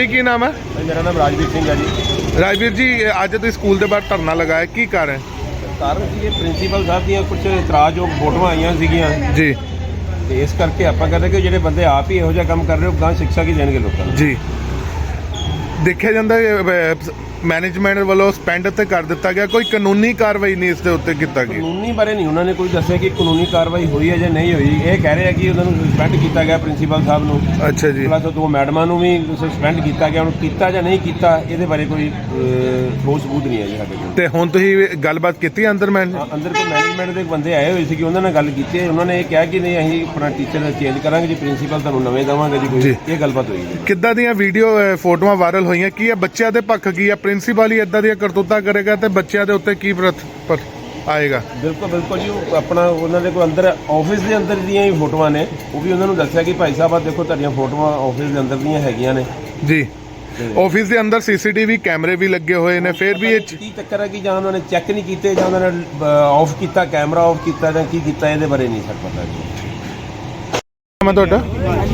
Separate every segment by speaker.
Speaker 1: भाई की नाम है?
Speaker 2: मेरा नाम राजवीर सिंह है जी।
Speaker 1: राजवीर जी, अज तुम स्कूल के बाहर धरना लगाया, की कारण?
Speaker 2: कारण ਸੀ ਇਹ ਪ੍ਰਿੰਸੀਪਲ ਸਾਹਿਬ ਦੀਆਂ ਕੁਝ ਇਤਰਾਜ਼ਯੋਗ ਫੋਟੋਆਂ ਆਈਆਂ ਸੀਗੀਆਂ
Speaker 1: ਜੀ,
Speaker 2: ਤੇ ਇਸ ਕਰਕੇ ਆਪਾਂ ਕਹਿੰਦੇ ਕਿ ਜਿਹੜੇ ਬੰਦੇ ਆਪ ਹੀ ਇਹੋ ਜਿਹਾ ਕੰਮ ਕਰ ਰਹੇ ਹੋ ਗਾਂ ਸਿੱਖਿਆ ਕੀ ਦੇਣਗੇ ਲੋਕਾਂ ਨੂੰ।
Speaker 1: ਜੀ ਦੇਖਿਆ ਜਾਂਦਾ मैनेजमेंट वालों स्पेंड तो कर दिता गया, कोई कानूनी कार्रवाई नहीं इसके उत्ते किया गया।
Speaker 2: कानूनी बारे नहीं उन्होंने कोई दसिया कि कानूनी कार्रवाई हुई है या नहीं हुई। ये कह रहे हैं कि उन्होंने सस्पेंड किया गया प्रिंसीपल साहब को।
Speaker 1: अच्छा जी।
Speaker 2: प्लस दो मैडमां भी सस्पेंड किया गया, उन्होंने किया या नहीं किया ये बारे कोई ठोस सबूत नहीं है जी साडे कोल।
Speaker 1: ते हुण तुसीं गलबात कीती अंदर?
Speaker 2: अंदर कोई मैनेजमेंट के बंदे आए हुए सी कि उन्होंने गल की, उन्होंने ये कहा कि नहीं असीं अपना टीचर चेंज करांगे जी, प्रिंसीपल तुहानूं नवें देवांगे जी। कोई ये गलबात हुई जी।
Speaker 1: किद्दां दीयां वीडियो फोटोआं वायरल होईयां, की है बच्चों के पक्ष की है? प्रिंसीपल ही इदां करतूता करेगा तो बच्चों के उत्ते की पर आएगा?
Speaker 2: बिल्कुल बिल्कुल जी। अपना उन्होंने कोई अंदर ऑफिस के अंदर दी ही फोटोआं ने, वो भी उन्होंने दसिया कि भाई साहब देखो तुहाडियां फोटोआं ऑफिस के अंदर दी हैगियां ने
Speaker 1: जी। ऑफिस के अंदर CCTV कैमरे भी लगे हुए हैं, फिर भी
Speaker 2: की चक्कर है कि जां उन्होंने चैक नहीं किए जां उन्होंने ऑफ किया, कैमरा ऑफ किया जां की किया, ये बारे नहीं सर पता जी।
Speaker 1: मैं तुहाडा?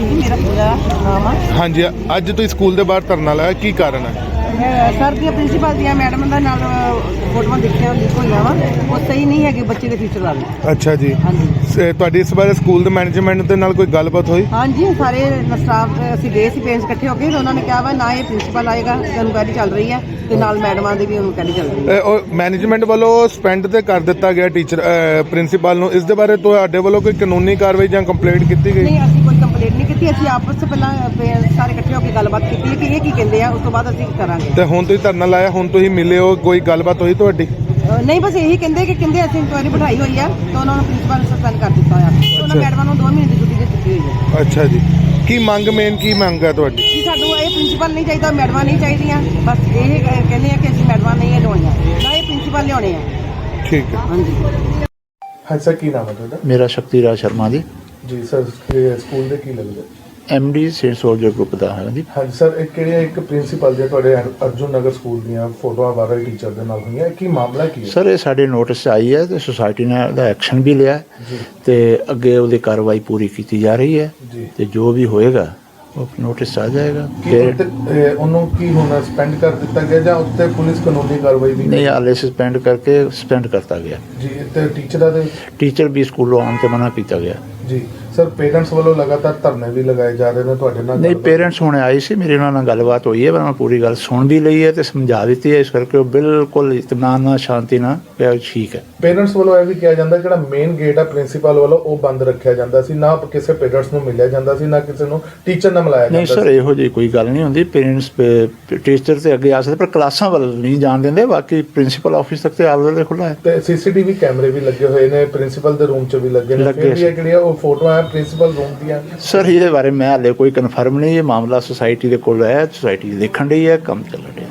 Speaker 1: हाँ जी, अज तुसीं स्कूल के बाहर धरना लाया, की कारण है?
Speaker 3: सर दी प्रिंसीपल दी मैडम दा नाल फोटोआं देखिया लीक होईयां वा, वो सही नहीं है कि बच्चे के फ्यूचर वाले।
Speaker 1: अच्छा जी।
Speaker 3: हाँ जी।
Speaker 1: तुहाडी इस बारे स्कूल दे मैनेजमेंट दे नाल कोई गलबात होई?
Speaker 3: हाँ जी, सारे स्टाफ असीं गए सी पेरेंट्स इकट्ठे होके, तो उन्होंने कहा वा ना ये प्रिंसीपल आएगा, इनक्वायरी चल रही है, ते नाल मैडमां दी भी इनक्वायरी चल रही है।
Speaker 1: मैनेजमेंट वालों स्पेंड ते कर दिता गया टीचर प्रिंसीपल नूं, इस दे बारे तुहाडे वालों कोई कानूनी कार्रवाई जां कंप्लेंट कीती गई?
Speaker 3: नहीं, असीं कोई कंप्लेंट नहीं कीती, असीं आपस च पहलां सारे इकट्ठे होके गलबात कीती है कि ये की कहंदे आ, उस तो बाद असीं करांगे।
Speaker 1: ते हुण तुसीं धरना लाया, हुण तुसीं मिले हो, कोई गलबात होई तुहाडी?
Speaker 3: नहीं, बस यही कहते कि कहते असं इंक्वायरी बिठाई हुई है, तो उन्होंने प्रिंसीपल सस्पेंड कर दिता है, तो उन्होंने मैडम को 2 महीने की छुट्टी दे दी हुई है।
Speaker 1: अच्छा जी। की मंग मेन की मंग है तुहाडी?
Speaker 3: जी सानू ये प्रिंसीपल नहीं चाहिए, मैडम नहीं चाहिए, बस ये कहते हैं कि असं मैडम नहीं लिया ना, ये प्रिंसीपल लिया है।
Speaker 1: ठीक है।
Speaker 3: हाँ जी।
Speaker 1: हाँ सर, की नाम है तुहाडा?
Speaker 4: मेरा शक्तिराज शर्मा जी।
Speaker 1: जी सर, स्कूल दे की लगदा?
Speaker 4: MD सेंट सोल्जर ग्रुप का है जी।
Speaker 1: हाँ सर, एक प्रिंसीपल ਦੀਆਂ ਤੁਹਾਡੇ ਅਰਜੁਨ ਨਗਰ ਸਕੂਲ ਦੀਆਂ ਫੋਟੋਆਂ ਵਾਇਰਲ ਟੀਚਰ ਦੇ ਨਾਲ ਹੋਈਆਂ, ਕੀ ਮਾਮਲਾ ਕੀ ਹੈ?
Speaker 4: ਸਰ ਇਹ ਸਾਡੇ ਨੋਟਿਸ 'ਚ ਆਈ ਹੈ ਤੇ ਸੁਸਾਇਟੀ ਨੇ ਉਹਦਾ ਐਕਸ਼ਨ ਵੀ ਲਿਆ
Speaker 1: ਜੀ,
Speaker 4: ਤੇ ਅੱਗੇ ਉਹਦੀ ਕਾਰਵਾਈ ਪੂਰੀ ਕੀਤੀ ਜਾ ਰਹੀ ਹੈ
Speaker 1: ਜੀ,
Speaker 4: ਤੇ ਜੋ ਵੀ ਹੋਏਗਾ ਉਹ ਨੋਟਿਸ 'ਚ ਆ ਜਾਏਗਾ। ਫਿਰ
Speaker 1: ਉਹਨੂੰ ਕੀ ਹੋਣਾ, ਸਸਪੈਂਡ ਕਰ ਦਿੱਤਾ ਗਿਆ ਜਾਂ ਉੱਤੇ ਪੁਲਿਸ ਕਾਨੂੰਨੀ ਕਾਰਵਾਈ ਵੀ?
Speaker 4: ਨਹੀਂ, ਹਾਲੇ ਸਸਪੈਂਡ ਕਰਤਾ ਗਿਆ
Speaker 1: ਜੀ। ਤੇ ਟੀਚਰਾਂ ਦੇ
Speaker 4: ਟੀਚਰ ਵੀ ਸਕੂਲੋਂ ਆਉਣ ਤੇ ਮਨਾ ਕੀਤਾ ਗਿਆ
Speaker 1: ਜੀ। ਸਰ ਪੇਰੈਂਟਸ ਵੱਲੋਂ ਲਗਾਤਾਰ ਧਰਨੇ ਵੀ ਲਗਾਏ ਜਾ ਰਹੇ ਨੇ, ਤੁਹਾਡੇ ਨਾਲ?
Speaker 4: ਨਹੀਂ, ਪੇਰੈਂਟਸ ਹੁਣੇ ਆਏ ਸੀ, ਮੇਰੇ ਉਹਨਾਂ ਨਾਲ ਗੱਲਬਾਤ ਹੋਈ ਹੈ, ਮੈਂ ਪੂਰੀ ਗੱਲ ਸੁਣ ਵੀ ਲਈ ਹੈ ਤੇ ਸਮਝਾ ਦਿੱਤੀ ਹੈ, ਇਸ ਕਰਕੇ ਉਹ ਬਿਲਕੁਲ ਇਤਮਾਨ ਨਾਲ ਸ਼ਾਂਤੀ ਨਾਲ ਕਿਹਾ ਠੀਕ ਹੈ।
Speaker 1: ਪੇਰੈਂਟਸ ਵੱਲੋਂ ਇਹ ਵੀ ਕਿਹਾ ਜਾਂਦਾ ਜਿਹੜਾ ਮੇਨ ਗੇਟ ਆ ਪ੍ਰਿੰਸੀਪਲ ਵੱਲੋਂ ਉਹ ਬੰਦ ਰੱਖਿਆ ਜਾਂਦਾ ਸੀ, ਨਾ ਕਿਸੇ ਪੇਰੈਂਟਸ ਨੂੰ ਮਿਲਿਆ ਜਾਂਦਾ ਸੀ, ਨਾ ਕਿਸੇ ਨੂੰ ਟੀਚਰ ਨਾਲ ਮਿਲਾਇਆ ਜਾਂਦਾ
Speaker 4: ਨਹੀਂ
Speaker 1: ਸੀ।
Speaker 4: ਸਰ, ਇਹੋ ਜਿਹੀ ਕੋਈ ਗੱਲ ਨਹੀਂ ਹੁੰਦੀ। ਪੇਰੈਂਟਸ ਟੀਚਰ ਤੇ ਅੱਗੇ ਆ ਸਕਦੇ, ਪਰ ਕਲਾਸਾਂ ਵੱਲ ਨਹੀਂ ਜਾਣ ਦਿੰਦੇ, ਬਾਕੀ ਪ੍ਰਿੰਸੀਪਲ ਆਫਿਸ ਤੱਕ ਤੇ ਆਲ ਵੇਲੇ ਖੁੱਲ੍ਹਾ ਹੈ।
Speaker 1: ਤੇ CCTV ਕੈਮਰੇ ਵੀ ਲੱਗੇ ਹੋਏ ਨੇ, ਪ੍ਰਿੰਸੀਪਲ ਦੇ ਰੂਮ 'ਚ ਵੀ ਲੱਗੇ ਨੇ, ਫਿਰ ਵੀ ਇਹ ਜਿਹੜੀਆਂ ਉਹ ਫੋਟੋਆਂ ਆ ਪ੍ਰਿੰਸੀਪਲ ਰੂਮ ਦੀਆਂ?
Speaker 4: ਸਰ ਇਹਦੇ ਬਾਰੇ ਮੈਂ ਹਾਲੇ ਕੋਈ ਕਨਫਰਮ ਨਹੀਂ, ਇਹ ਮਾਮਲਾ ਸੁਸਾਇਟੀ ਦੇ ਕੋਲ ਹੈ, ਸੁਸਾਇਟੀ ਦੇਖਣ ਰਹੀ ਹੈ, ਕੰਮ ਚੱਲ ਰਿਹਾ।